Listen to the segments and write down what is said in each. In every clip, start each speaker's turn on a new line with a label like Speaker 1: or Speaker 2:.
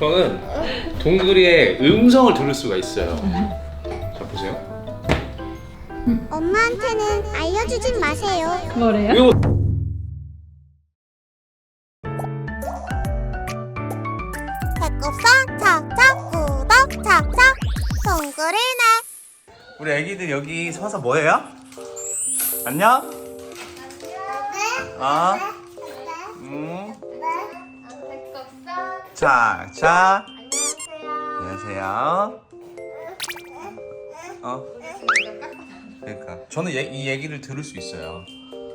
Speaker 1: 저는 동그리의 음성을 들을 수가 있어요. 자 보세요.
Speaker 2: 엄마한테는 알려주진 마세요.
Speaker 3: 뭐래요?
Speaker 1: 이거
Speaker 2: 배꼽상 착착 구독 착착 동그리네.
Speaker 4: 우리 애기들 여기 서서 뭐해요? 안녕? 어? 자, 자. 안녕하세요. 그러니까 저는 이 얘기를 들을 수 있어요.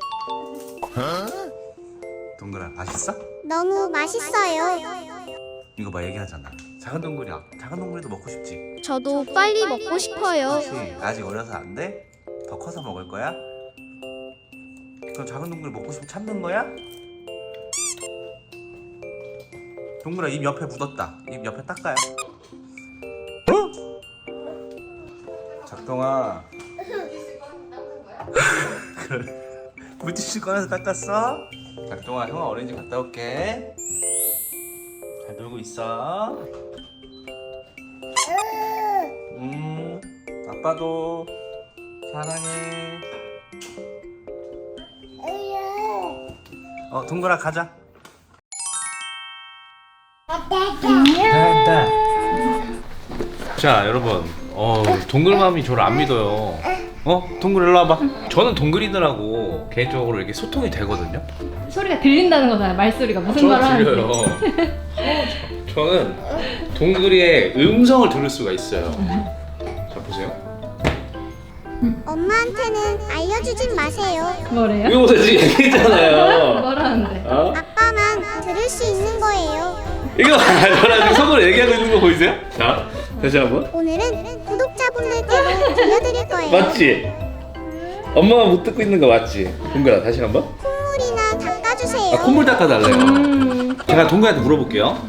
Speaker 4: 동그라 맛있어?
Speaker 2: 너무 맛있어요.
Speaker 4: 이거 봐 얘기하잖아. 작은 동그리야. 작은 동그리도 먹고 싶지.
Speaker 2: 저도 빨리 먹고 싶어요.
Speaker 4: 그렇지. 아직 어려서 안 돼? 더 커서 먹을 거야? 그럼 작은 동그리 먹고 싶으면 참는 거야? 동그라 입 옆에 묻었다. 입 옆에 닦아요. 작동아. 그래. 물티슈 꺼내서 닦았어? 작동아, 형아 어린이집 갔다 올게. 잘 놀고 있어. 아빠도 사랑해. 동그라 가자.
Speaker 1: 자 여러분, 동글맘이 저를 안 믿어요. 동글 일로 와봐. 저는 동글이들하고 개인적으로 이렇게 소통이 되거든요.
Speaker 3: 소리가 들린다는 거잖아요. 말소리가 무슨 말을 하는지.
Speaker 1: 들려요. 저는 동글이의 음성을 들을 수가 있어요. 자 보세요.
Speaker 2: 엄마한테는 알려주진 마세요.
Speaker 3: 뭐래요?
Speaker 1: 이거 보세요, 지금 얘기했잖아요.
Speaker 3: 뭐라는데?
Speaker 2: 아빠만 들을 수 있는 거예요.
Speaker 1: 이거 저랑 지금 속으로 얘기하고 있는 거 보이세요? 자 다시 한번.
Speaker 2: 오늘은 구독자분들께로 들려드릴 거예요.
Speaker 1: 맞지? 엄마가 못 듣고 있는 거 맞지? 동글아 다시 한번.
Speaker 2: 콧물이나 닦아주세요.
Speaker 1: 콧물 닦아달래요. 제가 동글한테 물어볼게요.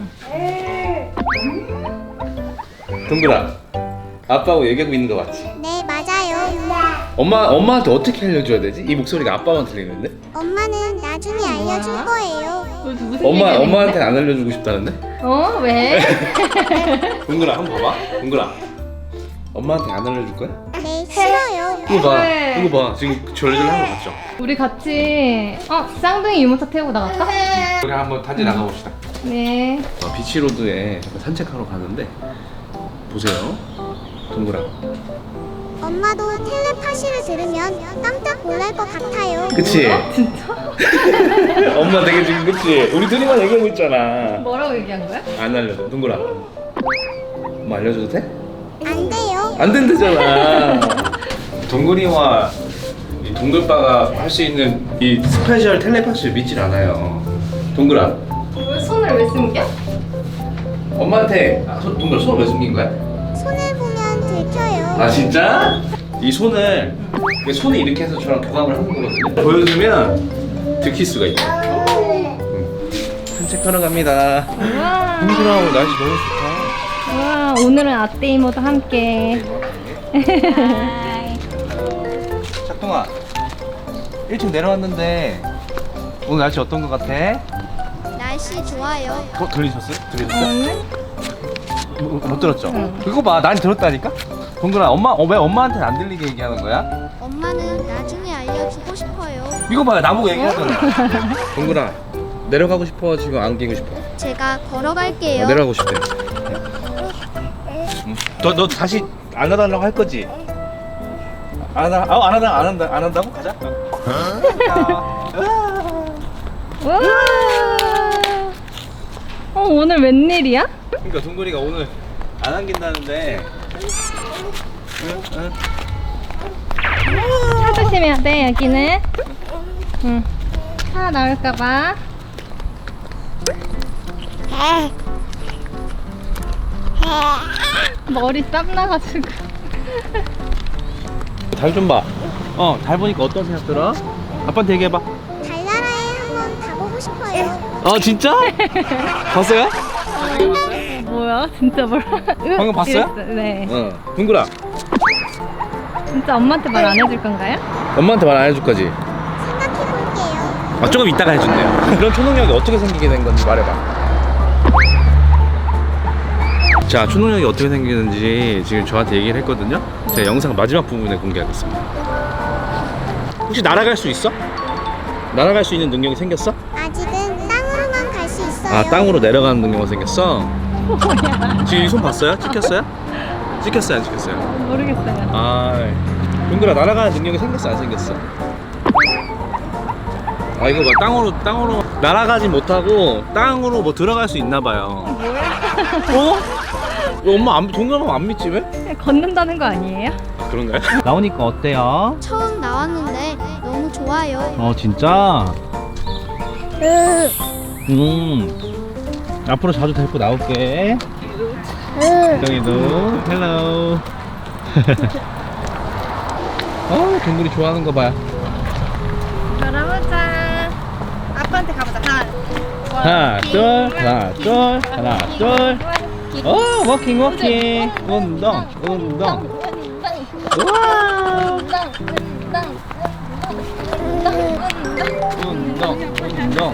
Speaker 1: 동글아, 아빠하고 얘기하고 있는 거 맞지?
Speaker 2: 네, 맞아요.
Speaker 1: 엄마한테 어떻게 알려줘야 되지? 이 목소리가 아빠만 들리는데?
Speaker 2: 엄마는 나중에 알려줄 거예요.
Speaker 3: 무슨 얘기하는
Speaker 1: 엄마한테 안 알려주고 싶다는데?
Speaker 3: 거야? 왜?
Speaker 1: 동글아 한번 봐봐. 동글아, 엄마한테 안 알려줄 거야?
Speaker 2: 네, 싫어요.
Speaker 1: 이거 봐,
Speaker 3: 왜?
Speaker 1: 이거 봐. 지금 절절한 거 봤죠?
Speaker 3: 우리 같이 쌍둥이 유모차 태우고 나갈까?
Speaker 1: 우리 한번 단지 나가봅시다.
Speaker 3: 네.
Speaker 1: 비치로드에 잠깐 산책하러 가는데 보세요, 동글아.
Speaker 2: 엄마도 텔레파시를 들으면 깜짝 놀랄 것 같아요.
Speaker 1: 그치?
Speaker 3: 진짜?
Speaker 1: 엄마 되게 지금 그치? 우리 둘이만 얘기하고 있잖아.
Speaker 3: 뭐라고 얘기한 거야?
Speaker 1: 안 알려줘, 동글아. 엄마 알려줘도 돼?
Speaker 2: 안 돼요.
Speaker 1: 안 된다잖아. 동글이와 이 동글빠가 할 수 있는 이 스페셜 텔레파시를 믿질 않아요. 동글아,
Speaker 3: 왜 손을 왜 숨겨?
Speaker 1: 엄마한테 동글아 손을 왜 숨긴 거야?
Speaker 2: 손을 보면 들켜요.
Speaker 1: 아 진짜? 이 손을 손에 이렇게 해서 저랑 교감을 하는 거거든요. 보여주면 들킬 수가 있다. 산책하러 갑니다.
Speaker 3: 우와.
Speaker 1: 동글아 오늘 날씨 너무 좋다.
Speaker 3: 우와, 오늘은 아떼 이모도 함께.
Speaker 4: 작동아, 1층 내려왔는데 오늘 날씨 어떤 거 같아?
Speaker 2: 날씨 좋아요.
Speaker 4: 들리셨어요?
Speaker 3: 오늘?
Speaker 4: 못 들었죠? 그거 봐, 난 들었다니까? 동그라, 왜 엄마한테는 안 들리게 얘기하는 거야?
Speaker 2: 엄마는 나중에 알려주고 싶어요.
Speaker 4: 이거 봐, 나보고 얘기하잖아.
Speaker 1: 동글아 내려가고 싶어? 지금 안기고 싶어?
Speaker 2: 제가 걸어갈게요.
Speaker 1: 내려가고 싶대.
Speaker 4: 너 다시 안 하달라고 할 거지? 안 한다고? 가자.
Speaker 3: 우와. 오늘 웬일이야?
Speaker 4: 그러니까 동글이가 오늘 안 안긴다는데.
Speaker 3: 차 조심해야 돼, 여기는. 응. 차 나올까봐. 머리 땀 나가지고.
Speaker 4: 달 좀 봐. 달 보니까 어떤 생각 들어? 아빠한테 얘기해봐.
Speaker 2: 달나라에 한번 가보고 싶어요.
Speaker 4: 진짜? 봤어요?
Speaker 3: 뭐야? 진짜 뭐야?
Speaker 4: 방금 봤어요?
Speaker 3: 이랬어. 네.
Speaker 1: 동글아
Speaker 3: 진짜 엄마한테 말 안 해줄 건가요?
Speaker 1: 엄마한테 말 안 해줄 거지?
Speaker 2: 생각해볼게요.
Speaker 1: 조금 이따가 해준대요. 그런 초능력이 어떻게 생기게 된 건지 말해봐. 자, 초능력이 어떻게 생기는지 지금 저한테 얘기를 했거든요. 제가 영상 마지막 부분에 공개하겠습니다. 혹시 날아갈 수 있어? 날아갈 수 있는 능력이 생겼어?
Speaker 2: 아직은 땅으로만 갈 수 있어요.
Speaker 1: 아, 땅으로 내려가는 능력이 생겼어? 지금 이 손 봤어요? 찍혔어요? 찍혔어요, 안 찍혔어요?
Speaker 3: 모르겠어요.
Speaker 1: 아, 동그라 날아가는 능력이 생겼어, 안 생겼어? 아, 이거 봐, 땅으로 날아가지 못하고 땅으로 뭐 들어갈 수 있나 봐요. 어? 왜 엄마 동그라면 안 믿지 왜?
Speaker 3: 걷는다는 거 아니에요?
Speaker 1: 아, 그런가요? 나오니까 어때요?
Speaker 2: 처음 나왔는데 너무 좋아요.
Speaker 1: 진짜? 앞으로 자주 데리고 나올게. 정이도 헬로. 동물이 좋아하는 거 봐요.
Speaker 3: 걸어보자. 아빠한테 가보자.
Speaker 1: 하나 둘. 워킹 운동. 우와. 운동.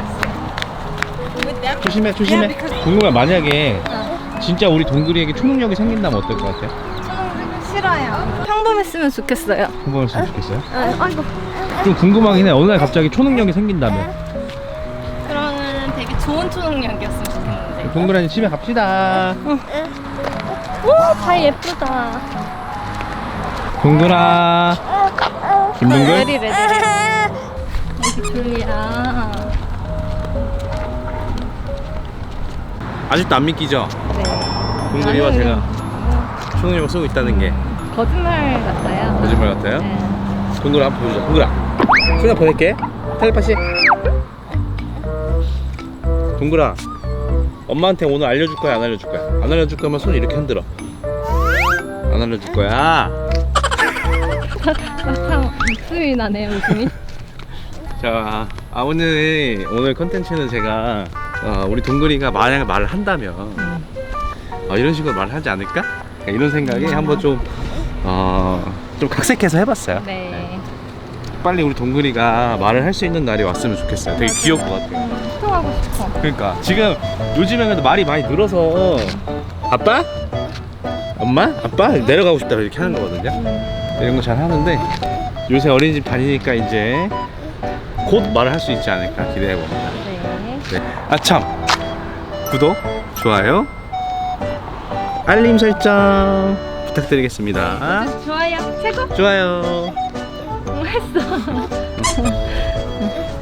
Speaker 1: 조심해. 동물아, 만약에 진짜 우리 동글이에게 초능력이 생긴다면 어떨 것 같아요?
Speaker 3: 싫어요. 평범했으면 좋겠어요.
Speaker 1: 궁금했으면 좋겠어요?
Speaker 3: 아이고.
Speaker 1: 좀 궁금하긴 해. 어느 날 갑자기 초능력이 생긴다면.
Speaker 3: 그러면 되게 좋은 초능력이었으면 좋겠는데.
Speaker 1: 동그라니 집에 갑시다.
Speaker 3: 오, 다 예쁘다.
Speaker 1: 동그라. 김동글?
Speaker 3: 레디. 여기 둘이야.
Speaker 1: 아직도 안 믿기죠?
Speaker 3: 네.
Speaker 1: 동글이와
Speaker 3: 나는
Speaker 1: 제가 초능력을 쓰고 있다는 게
Speaker 3: 거짓말 같아요.
Speaker 1: 거짓말 같아요?
Speaker 3: 네.
Speaker 1: 동글아, 한번 보여줘. 동글아, 손에 보낼게. 텔레파시. 동글아, 엄마한테 오늘 알려줄 거야, 안 알려줄 거야? 안 알려줄 거면 손 이렇게 흔들어. 안 알려줄 거야.
Speaker 3: 참 웃음이 나네요, 웃음이.
Speaker 1: 자, 오늘 컨텐츠는 제가 우리 동글이가 만약에 말을 한다면 이런 식으로 말을 하지 않을까? 이런 생각에 한번 좀 각색해서 해봤어요.
Speaker 3: 네.
Speaker 1: 빨리 우리 동글이가 말을 할 수 있는 날이 왔으면 좋겠어요. 되게 귀여울 것 같아요.
Speaker 3: 소통하고 싶어.
Speaker 1: 그러니까 지금 요즘에는 말이 많이 늘어서 아빠? 엄마? 아빠? 내려가고 싶다 이렇게 하는 거거든요. 이런 거 잘 하는데 요새 어린이집 다니니까 이제 곧 말을 할 수 있지 않을까 기대해 봅니다.
Speaker 3: 네.
Speaker 1: 아참, 구독, 좋아요, 알림 설정 부탁드리겠습니다.
Speaker 3: 좋아요. 최고.
Speaker 1: 좋아요.
Speaker 3: 했어.